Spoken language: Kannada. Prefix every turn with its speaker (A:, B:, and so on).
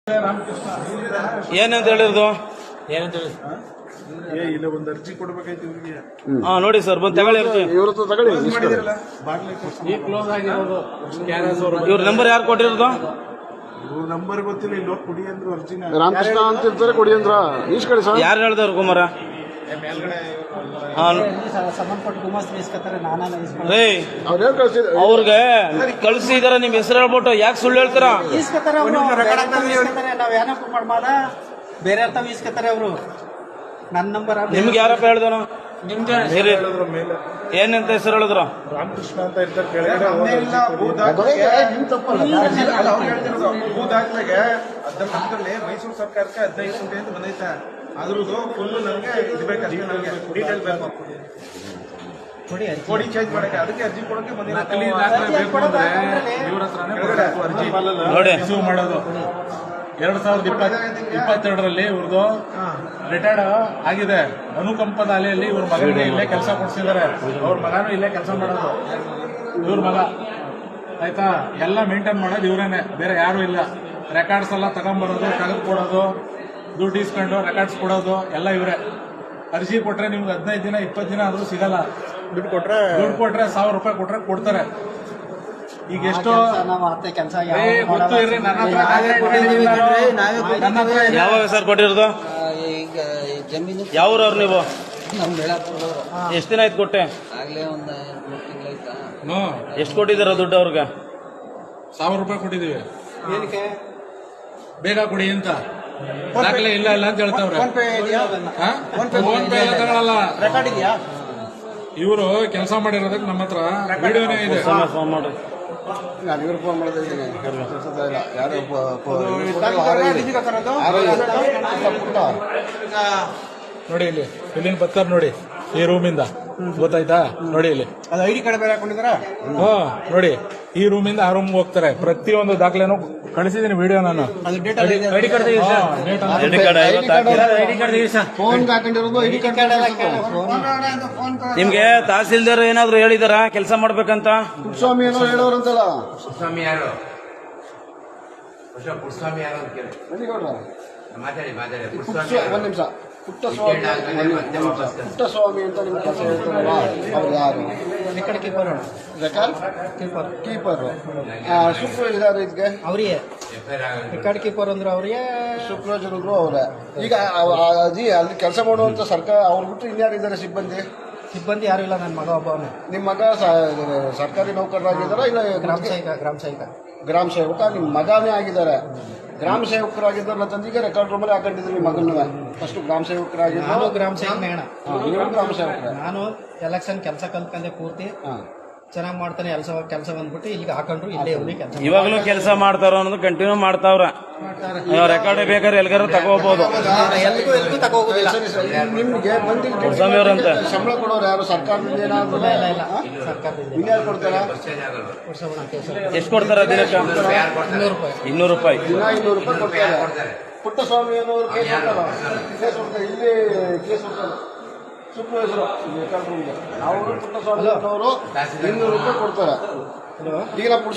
A: ಏನಂತ ಹೇಳಿರೋದು
B: ಇಲ್ಲ ಒಂದು ಅರ್ಜಿ ಕೊಡ್ಬೇಕಾಯ್ತು ಇವ್ರಿಗೆ.
A: ನೋಡಿ ಸರ್ ಬಂದು ತಗೊಳ್ಳಿ ಅರ್ಜಿ. ಇವ್ರ ನಂಬರ್ ಯಾರು ಕೊಟ್ಟಿರೋದು?
B: ಇವ್ರ ನಂಬರ್ ಗೊತ್ತಿಲ್ಲ. ಇಲ್ಲಿ ಹೋಗಿ ಕೊಡಿ ಅಂದ್ರು ಅರ್ಜಿನ.
C: ರಾಮಕೃಷ್ಣ ಅಂತ ಇರ್ತಾರೆ, ಕೊಡಿ ಅಂದ್ರ ಈಸ್ಕಳಿ ಸರ್.
A: ಯಾರು ಹೇಳ್ದವ್ರು ಕುಮಾರ? ಅವ್ರಿಗೆ ಕಳ್ಸಿದಾರ. ನಿಮ್ ಹೆಸರು ಹೇಳ್ಬಿಟ್ಟು ಯಾಕೆ ಸುಳ್ಳು ಹೇಳ್ತೀರಾ?
D: ಬೇರೆ ಅರ್ಥ ಇಸ್ಕತ್ತಾರೆ ಅವರು. ನನ್ನ ನಂಬರ್
A: ನಿಮ್ಗೆ ಯಾರಪ್ಪ ಹೇಳ್ದನು? ಏನಂತ ಹೆಸರು ಹೇಳಿದ್ರು?
B: ರಾಮಕೃಷ್ಣ ಅಂತ ಇರ್ತಾರೆ ಕೆಳಗಡೆ. ನಮ್ದ್ರಲ್ಲಿ ಮೈಸೂರು ಸರ್ಕಾರಕ್ಕೆ 15 ಕೋಟಿ ಅಂತ ಬಂದೈತೆ. ಅದ್ರದ್ದು ಫುಲ್ ನಮ್ಗೆ ಇದ್ಬೇಕಷ್ಟೇ. ನಮ್ಗೆ ಡೀಟೇಲ್ ಬೇಕು, ಕೊಡಿ ಚೇಂಜ್ ಮಾಡಕ್ಕೆ. ಅದಕ್ಕೆ ಅರ್ಜಿ ಕೊಡಕ್ಕೆ ಬಂದಿಲ್ಲ.
A: ನೋಡಿ
E: ರಿಸೀವ್ ಮಾಡೋದು 2022ರಲ್ಲಿ ಇವ್ರದ್ದು ರಿಟೈರ್ಡ್ ಆಗಿದೆ. ಅನುಕಂಪದ ಅಲೆಯಲ್ಲಿ ಇವ್ರ ಮಗನಿಗೆ ಇಲ್ಲೇ ಕೆಲಸ ಕೊಡ್ಸಿದ್ದಾರೆ. ಅವ್ರ ಮಗನೂ ಇಲ್ಲೇ ಕೆಲಸ ಮಾಡೋದು. ಇವ್ರ ಮಗ ಆಯ್ತಾ. ಎಲ್ಲ ಮೇಂಟೈನ್ ಮಾಡೋದು ಇವರೇನೆ, ಬೇರೆ ಯಾರು ಇಲ್ಲ. ರೆಕಾರ್ಡ್ಸ್ ಎಲ್ಲ ತಗೊಂಡ್ಬರೋದು, ತೆಗೆದು ಕೊಡೋದು, ದುಡ್ಡು ಇಸ್ಕೊಂಡು ರೆಕಾರ್ಡ್ಸ್ ಕೊಡೋದು ಎಲ್ಲ ಇವರೇ. ಅರ್ಜಿ ಕೊಟ್ರೆ ನಿಮ್ಗೆ 15 ದಿನ 20 ದಿನ ಆದ್ರೂ ಸಿಗಲ್ಲ. ದುಡ್ಡು ಕೊಟ್ರೆ 1000 ರೂಪಾಯಿ ಕೊಟ್ರೆ ಕೊಡ್ತಾರೆ. ಈಗ ಎಷ್ಟು ಗೊತ್ತು ಇರ್ರಿ. ನನ್ನ ಹತ್ರ
A: ಯಾವಾಗ ಸರ್ ಕೊಟ್ಟಿರೋದು? ಯಾವ್ರವ್ರು ನೀವು? ಎಷ್ಟು ದಿನ ಆಯ್ತು ಕೊಟ್ಟೆ? ಎಷ್ಟು ಕೊಟ್ಟಿದ್ದೀರ ದುಡ್ಡು ಅವ್ರಿಗೆ?
E: 1000 ರೂಪಾಯಿ ಕೊಟ್ಟಿದ್ದೀವಿ. ಬೇಗ ಕೊಡಿ ಅಂತ. ದಾಖಲೆ ಇಲ್ಲ ಇಲ್ಲ ಅಂತ ಹೇಳ್ತಾವ್ರೆ. ಫೋನ್ ಪೇ ಎಲ್ಲ ತಗೊಳಲ್ಲ. ಇವರು ಕೆಲಸ ಮಾಡಿರೋದಕ್ಕೆ ನಮ್ಮ ಹತ್ರ ವಿಡಿಯೋನೇ ಇದೆ.
A: ಫೋನ್ ಮಾಡಿ.
C: ನಾನು ಇವ್ರು ಫೋನ್ ಮಾಡಿದ್ದೀನಿ.
E: ನೋಡಿ ಇಲ್ಲಿ ಇಲ್ಲಿನ ಬರ್ತಾರೆ ನೋಡಿ, ಈ ರೂಮಿಂದ. ಗೊತ್ತಾಯ್ತಾ? ನೋಡಿ ಇಲ್ಲಿ
D: ಅದು ಐಡಿ ಕಾರ್ಡ್ ಬೇರೆ ಹಾಕೊಂಡಿದಾರ.
E: ನೋಡಿ ಈ ರೂಮಿಂದ ಆ ರೂಮ್ಗೆ ಹೋಗ್ತಾರೆ. ಪ್ರತಿಯೊಂದು ದಾಖಲೆನೂ ಕಳಿಸಿದೀನಿ ವಿಡಿಯೋ ನಾನು.
A: ಐಡಿ ಕಾರ್ಡ್
C: ಫೋನ್ ಹಾಕೊಂಡಿರೋದು ಐಡಿ ಕಾರ್ಡ್.
A: ನಿಮ್ಗೆ ತಹಸೀಲ್ದಾರ್ ಏನಾದ್ರು ಹೇಳಿದಾರ ಕೆಲಸ ಮಾಡ್ಬೇಕಂತ?
C: ಪುಟ್ಟಸ್ವಾಮಿ ಏನೋ ಹೇಳೋರಂತಲ್ಲ.
F: ಪುಟ್ಟಸ್ವಾಮಿ ಯಾರು? ಪುಟ್ಟಸ್ವಾಮಿ ಯಾರು ಅಂತ ಕೇಳಿ ಮಾತಾಡಿ.
C: ಒಂದ್ ನಿಮಿಷ. ಪುಟ್ಟಸ್ವಾಮಿ ಅಂತ ನಿಮ್ಗೆ ಕೆಲಸ ಹೇಳ್ತಾರಲ್ಲ, ಅವ್ರು ಯಾರು?
D: Record keeper.
C: ಕೀಪರ್ ಸೂಪರ್ವೈಸರ್ ಇದಕ್ಕೆ
D: ಅವ್ರಿಗೆ ರೆಕಾರ್ಡ್ ಕೀಪರ್ ಅಂದ್ರೆ ಅವ್ರಿಗೆ
C: ಸೂಪರ್ವೈಸರ್ ಅಂದ್ರು ಅವ್ರೆ. ಈಗ ಅಲ್ಲಿ ಕೆಲಸ ಮಾಡುವಂತ ಸರ್ಕಾರ ಅವ್ರು ಬಿಟ್ಟು ಇನ್ಯಾರಿದ್ದಾರೆ ಸಿಬ್ಬಂದಿ?
D: ಯಾರು ಇಲ್ಲ. ನನ್ನ ಮಗ ಒಬ್ಬವನೇ.
C: ನಿಮ್ಮ ಮಗ ಸರ್ಕಾರಿ ನೌಕರರಾಗಿದ್ದಾರ ಇಲ್ಲ ಗ್ರಾಮ ಸೇವಕ? ನಿಮ್ಮ ಮಗನೇ ಆಗಿದ್ದಾರೆ. ಗ್ರಾಮ ಸೇವಕರಾಗಿದ್ದಾರಲ್ಲ ತಂದಿಗೆ ರೆಕಾರ್ಡ್ ರೂಮಲ್ಲಿ ಹಾಕೊಂಡಿದ್ರು ನಿಮ್ಮ ಮಗನ. ಫಸ್ಟ್ ಗ್ರಾಮ ಸೇವಕರಾಗಿದ್ದು.
D: ನಾನು ಗ್ರಾಮ ಸೇವಕ ಮೇಣ.
C: ನೀವು ಗ್ರಾಮ ಸೇವಕರೇ.
D: ನಾನು ಎಲೆಕ್ಷನ್ ಕೆಲಸ ಕಲ್ತ್ಕೊಂಡೆ ಪೂರ್ತಿ. ಚೆನ್ನಾಗಿ ಮಾಡ್ತಾನೆ ಕೆಲಸ ಬಂದ್ಬಿಟ್ಟು ಇಲ್ಲಿಗೆ ಹಾಕೊಂಡ್ರು. ಇಲ್ಲೇ ಕೆಲಸ
A: ಇವಾಗಲೂ ಕೆಲಸ ಮಾಡ್ತಾರ ಅನ್ನೋದು ಕಂಟಿನ್ಯೂ ಮಾಡ್ತಾವ್ರ. ರೆಕಾರ್ಡ್ ಬೇಕಾದ್ರೆ ಎಲ್ಗಾರ ತಗೋಬಹುದು.
D: ಎಲ್ಗೂ ತಗೋಗೋದಿಲ್ಲ.
C: ನಿಮ್ಗೆ
A: ಅಂತ
C: ಸಂಬಳ ಕೊಡೋರು ಯಾರು? ಸರ್ಕಾರದಿಂದ ಏನಾದ್ರು?
D: ಇಲ್ಲ ಸರ್ಕಾರದಿಂದ.
C: ಇನ್ಯಾರು ಕೊಡ್ತಾರ?
A: ಎಷ್ಟು ಕೊಡ್ತಾರ ದಿನಕ್ಕೆ? 200 ರೂಪಾಯಿ.
C: ದಿನ 200 ರೂಪಾಯಿ ಕೊಡ್ತಾರೆ. ಪುಟ್ಟಸ್ವಾಮಿ ಅನ್ನೋರು ಕೇಸ್ ಕೊಡ್ತಾರೆ. ಇಲ್ಲಿ ಕೇಸ್ ಕೊಡ್ತಾರೆ ಸೂಪರ್ವೈಸರು ರೆಕಾರ್ಡ್ ರೂಮ್ಗೆ. ಅವರು ಪುಟ್ಟಸ್ವಾಮಿ ಅನ್ನೋರು 200 ರೂಪಾಯಿ ಕೊಡ್ತಾರೆ. ಈಗ